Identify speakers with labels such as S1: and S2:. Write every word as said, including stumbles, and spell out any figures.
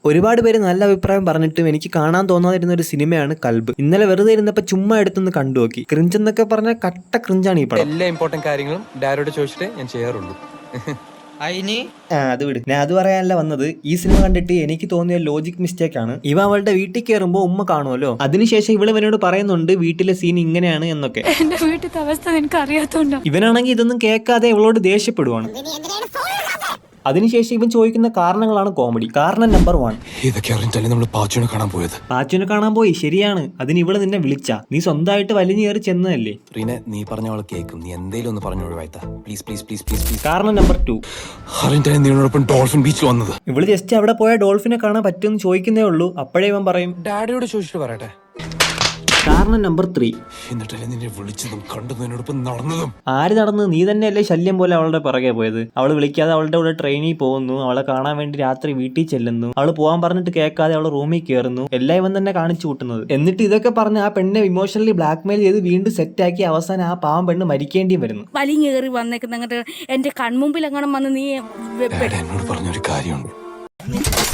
S1: ഒരുപാട് പേര് നല്ല അഭിപ്രായം പറഞ്ഞിട്ടും എനിക്ക് കാണാൻ തോന്നാതിരുന്ന ഒരു സിനിമയാണ് കൽബ്. ഇന്നലെ വെറുതെ ഇരുന്നപ്പോൾ ചുമ്മാ എടുത്തൊന്ന് കണ്ടു നോക്കി. ക്രിഞ്ച് എന്നൊക്കെ പറഞ്ഞാൽ കട്ട ക്രിഞ്ചാണ് ഈ പടം.
S2: എല്ലാ ഇമ്പോർട്ടന്റ് കാര്യങ്ങളും ഡാരോട് ചോദിച്ചിട്ട് ഞാൻ ചെയ്യാറുള്ളൂ.
S1: ആ അത് വിട്, ഞാൻ അത് പറയാനല്ല വന്നത്. ഈ സിനിമ കണ്ടിട്ട് എനിക്ക് തോന്നിയ ലോജിക് മിസ്റ്റേക്ക് ആണ്. ഇവ അവളുടെ വീട്ടിൽ കയറുമ്പോൾ ഉമ്മ കാണുമല്ലോ, അതിനുശേഷം ഇവള് ഇവനോട് പറയുന്നുണ്ട് വീട്ടിലെ സീൻ ഇങ്ങനെയാണ് എന്നൊക്കെ.
S3: എന്റെ വീട്ടിലത്തെ അവസ്ഥ നിനക്ക് അറിയാത്തോണ്ടോ?
S1: ഇവനാണെങ്കിൽ ഇതൊന്നും കേൾക്കാതെ ഇവളോട് ദേഷ്യപ്പെടുവാണ്. അതിനുശേഷം ഇവൻ ചോദിക്കുന്ന കാരണങ്ങളാണ് കോമഡി. കാരണം നമ്പർ വൺ,
S2: ഇതൊക്കെ അറിഞ്ഞിട്ടല്ലേ നമ്മൾ പാച്ചുവിനെ കാണാൻ പോയത്.
S1: പാച്ചുവിനെ കാണാൻ പോയി, ശരിയാണ്. അതിന് ഇവള് നിന്നെ വിളിച്ച, നീ സ്വന്തമായിട്ട് വലിഞ്ഞു കയറി ചെന്നതല്ലേ.
S2: റീനെ, നീ പറഞ്ഞ അവളെ കേൾക്കും. നീ എന്തേലും ഒന്ന് പറഞ്ഞു ഒഴിവായിത്ത please please please please please.
S1: കാരണം നമ്പർ ടു,
S2: അറിഞ്ഞിട്ടല്ലേ നീയോടൊപ്പം ഡോൾഫിൻ ബീച്ചിൽ വന്നത്.
S1: ഇവള് ജസ്റ്റ് അവിടെ പോയ ഡോൾഫിനെ കാണാൻ പറ്റുമെന്ന് ചോദിക്കുന്നേ ഉള്ളൂ. അപ്പോഴേ ഇവൻ പറയും
S2: ഡാഡിയോട് ചോദിച്ചിട്ട് പറയട്ടെ.
S1: കാരണം നമ്പർ ത്രീ,
S2: എന്നിട്ടല്ലേ നിന്നെ വിളിച്ചതും കണ്ടതും എന്നോടൊപ്പം നടന്നതും.
S1: ആര് നടന്ന്? നീ തന്നെയല്ലേ ശല്യം പോലെ അവളുടെ പിറകെ പോയത്. അവള് വിളിക്കാതെ അവളുടെ കൂടെ ട്രെയിനിൽ പോകുന്നു, അവളെ കാണാൻ വേണ്ടി രാത്രി വീട്ടിൽ ചെല്ലുന്നു, അവള് പോകാൻ പറഞ്ഞിട്ട് കേൾക്കാതെ അവള് റൂമിൽ കയറുന്നു. എല്ലാം ഇവൻ തന്നെ കാണിച്ചു കൂട്ടുന്നത്. എന്നിട്ട് ഇതൊക്കെ പറഞ്ഞ് ആ പെണ്ണെ ഇമോഷണലി ബ്ലാക്ക്മെയിൽ ചെയ്ത് വീണ്ടും സെറ്റാക്കി അവസാനം ആ പാവം പെണ്ണ് മരിക്കേണ്ടിയും വരുന്നു.
S3: വലിഞ്ഞേറി വന്നേക്കുന്ന എന്റെ കൺമുമ്പിൽ എങ്ങനെ വന്ന് നീ
S2: എന്നോട് പറഞ്ഞൊരു കാര്യമുണ്ട്.